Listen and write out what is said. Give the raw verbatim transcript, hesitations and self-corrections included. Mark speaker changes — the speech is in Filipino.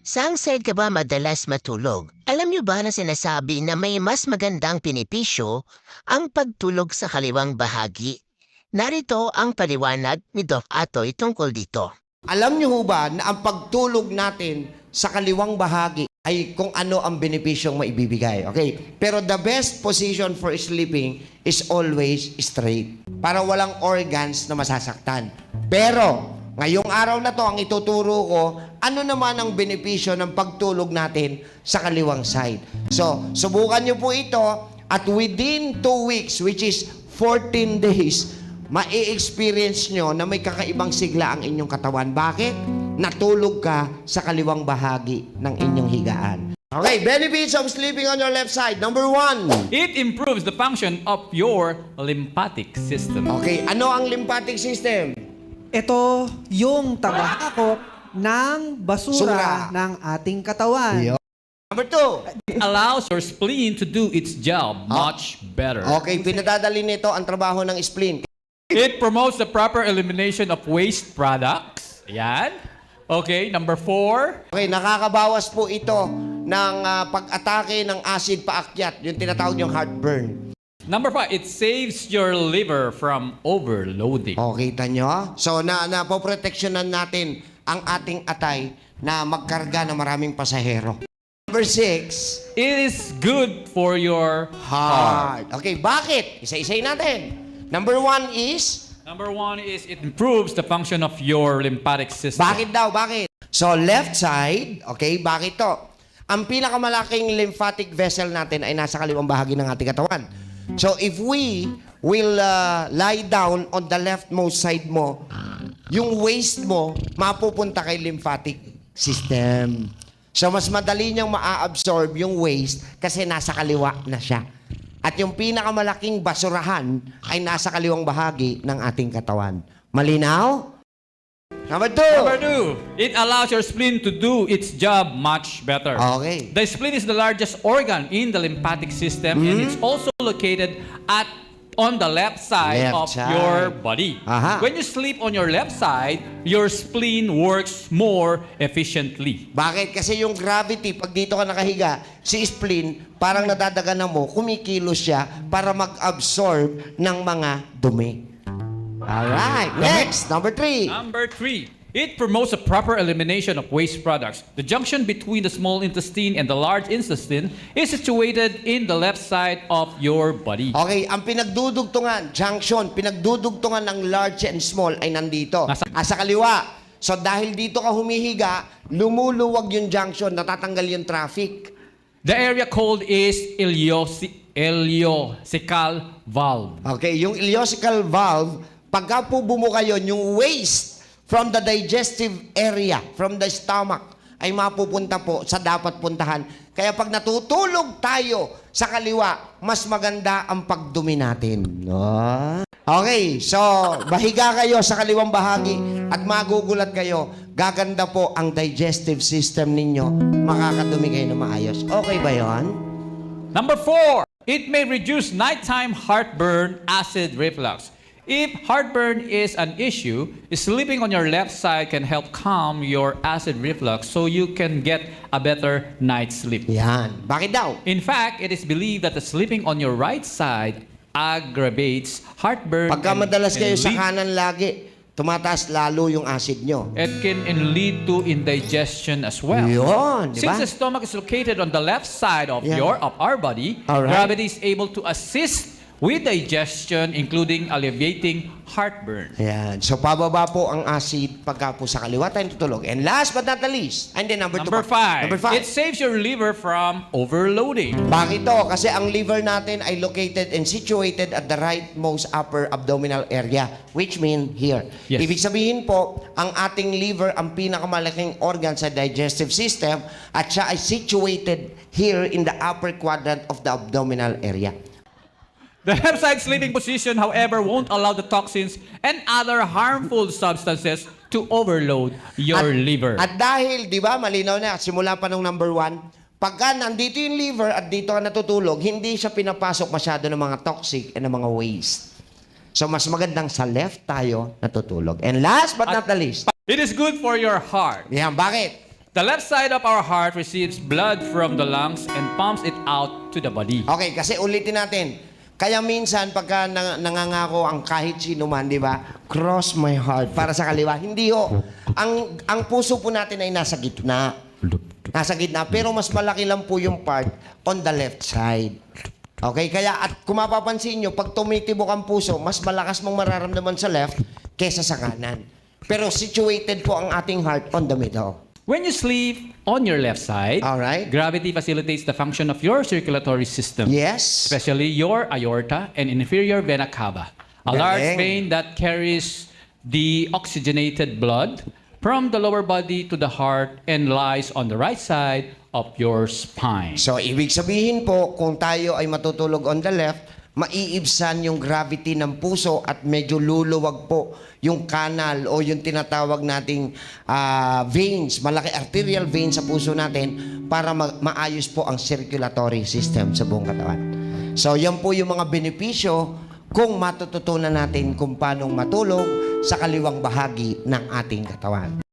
Speaker 1: Saang side ka ba madalas matulog? Alam niyo ba na sinasabi na may mas magandang pinipisyo ang pagtulog sa kaliwang bahagi? Narito ang paliwanag ni Doc Atoy tungkol dito.
Speaker 2: Alam niyo ho ba na ang pagtulog natin sa kaliwang bahagi ay kung ano ang benepisyong maibibigay, okay? Pero the best position for sleeping is always straight para walang organs na masasaktan. Pero ngayong araw na to, ang ituturo ko, ano naman ang benepisyo ng pagtulog natin sa kaliwang side. So, subukan niyo po ito at within two weeks, which is fourteen days, ma-experience nyo na may kakaibang sigla ang inyong katawan. Bakit? Natulog ka sa kaliwang bahagi ng inyong higaan. Okay, benefits of sleeping on your left side. Number one.
Speaker 3: It improves the function of your lymphatic system.
Speaker 2: Okay, ano ang lymphatic system?
Speaker 4: Ito yung tagahakot ng basura
Speaker 2: Sura.
Speaker 4: ng ating katawan.
Speaker 2: Yo. Number two.
Speaker 3: It allows your spleen to do its job much better.
Speaker 2: Okay, pinadadali nito ang trabaho ng spleen.
Speaker 3: It promotes the proper elimination of waste products. Ayan. Okay, number four.
Speaker 2: Okay, nakakabawas po ito ng ah, pag-atake ng acid paakyat, yung tinatawag yung heartburn.
Speaker 3: Number five, it saves your liver from overloading.
Speaker 2: O, kita nyo? So, na, napoproteksyonan natin ang ating atay na magkarga ng maraming pasahero. Number six,
Speaker 3: It is good for your heart.
Speaker 2: heart. Okay, bakit? Isa-isay natin. Number one is,
Speaker 3: Number one is it improves the function of your lymphatic system.
Speaker 2: bakit daw? Bakit? So, left side, okay, bakit to? Ang pinakamalaking lymphatic vessel natin ay nasa kaliwang bahagi ng ating katawan. So, if we will uh, lie down on the leftmost side mo, yung waste mo, mapupunta kay lymphatic system. So, mas madali niyang maa-absorb yung waste kasi nasa kaliwa na siya. At yung pinakamalaking basurahan ay nasa kaliwang bahagi ng ating katawan. Malinaw? Number two.
Speaker 3: Number two, it allows your spleen to do its job much better.
Speaker 2: Okay.
Speaker 3: The spleen is the largest organ in the lymphatic system and it's also located at on the left side
Speaker 2: Left
Speaker 3: of
Speaker 2: side.
Speaker 3: your body.
Speaker 2: Aha.
Speaker 3: When you sleep on your left side, your spleen works more efficiently.
Speaker 2: Bakit? Kasi yung gravity, pag dito ka nakahiga, si spleen, parang nadadaganan mo, kumikilos siya para mag-absorb ng mga dumi. Alright. Next, number three.
Speaker 3: Number three, it promotes a proper elimination of waste products. The junction between the small intestine and the large intestine is situated in the left side of your body.
Speaker 2: Okay, ang pinagdudugtungan, junction, pinagdudugtungan ng large and small ay nandito.
Speaker 3: Nasa-
Speaker 2: Ah, sa kaliwa. So dahil dito ka humihiga, lumuluwag yung junction, natatanggal yung traffic.
Speaker 3: The area called is iliosi- ileocecal valve.
Speaker 2: Okay, yung ileocecal valve, pagka po bumuka yun, yung waste from the digestive area, from the stomach, ay mapupunta po sa dapat puntahan. Kaya pag natutulog tayo sa kaliwa, mas maganda ang pagdumi natin. No? Okay, so bahiga kayo sa kaliwang bahagi at magugulat kayo, gaganda po ang digestive system ninyo, makakadumi kayo na maayos. Okay ba yon?
Speaker 3: Number four, it may reduce nighttime heartburn, acid reflux. If heartburn is an issue, sleeping on your left side can help calm your acid reflux so you can get a better night's sleep.
Speaker 2: Yan. Bakit daw?
Speaker 3: In fact, it is believed that the sleeping on your right side aggravates heartburn.
Speaker 2: Pagka
Speaker 3: and-
Speaker 2: madalas
Speaker 3: and
Speaker 2: kayo sa
Speaker 3: lead-
Speaker 2: kanan lagi, tumataas lalo yung acid nyo.
Speaker 3: It can and lead to indigestion as well.
Speaker 2: Yun, di ba?
Speaker 3: Since the stomach is located on the left side of
Speaker 2: Yeah.
Speaker 3: your of our body,
Speaker 2: Alright.
Speaker 3: gravity is able to assist with digestion, including alleviating heartburn.
Speaker 2: Ayan. So, pababa po ang acid pagka po sa kaliwa tayo tutulog. And last but not the least, and then number,
Speaker 3: Number
Speaker 2: two. pa.
Speaker 3: five,
Speaker 2: Number five.
Speaker 3: it saves your liver from overloading.
Speaker 2: Bakit to? Kasi ang liver natin ay located and situated at the rightmost upper abdominal area, which mean here.
Speaker 3: Yes.
Speaker 2: Ibig sabihin po, ang ating liver ang pinakamalaking organ sa digestive system at siya ay situated here in the upper quadrant of the abdominal area.
Speaker 3: The left side sleeping position, however, won't allow the toxins and other harmful substances to overload your
Speaker 2: at,
Speaker 3: liver.
Speaker 2: At dahil, di ba, malinaw na, simula pa nung number one, pagka nandito yung liver at dito ka natutulog, hindi siya pinapasok masyado ng mga toxic and ng mga waste. So, mas magandang sa left tayo natutulog. And last but not the least,
Speaker 3: It is good for your heart.
Speaker 2: yan, bakit?
Speaker 3: The left side of our heart receives blood from the lungs and pumps it out to the body.
Speaker 2: Okay, kasi ulitin natin. Kaya minsan, pagka nang- nangangako ang kahit sino man, di ba? Cross my heart para sa kaliwa. Hindi ho. Ang, ang puso po natin ay nasa gitna. Nasa gitna. Pero mas malaki lang po yung part on the left side. Okay? Kaya, at kung mapapansin nyo, pag tumitibok ang puso, mas malakas mong mararamdaman sa left kesa sa kanan. Pero situated po ang ating heart on the middle.
Speaker 3: When you sleep on your left side,
Speaker 2: Alright.
Speaker 3: gravity facilitates the function of your circulatory system,
Speaker 2: Yes.
Speaker 3: especially your aorta and inferior vena cava, a large
Speaker 2: Galing.
Speaker 3: vein that carries the oxygenated blood from the lower body to the heart and lies on the right side of your spine.
Speaker 2: So, ibig sabihin po, kung tayo ay matutulog on the left, maiibsan yung gravity ng puso at medyo luluwag po yung kanal o yung tinatawag nating ah, veins, malaki arterial veins sa puso natin para ma- maayos po ang circulatory system sa buong katawan. So, yan po yung mga benepisyo kung matututunan natin kung paano matulog sa kaliwang bahagi ng ating katawan.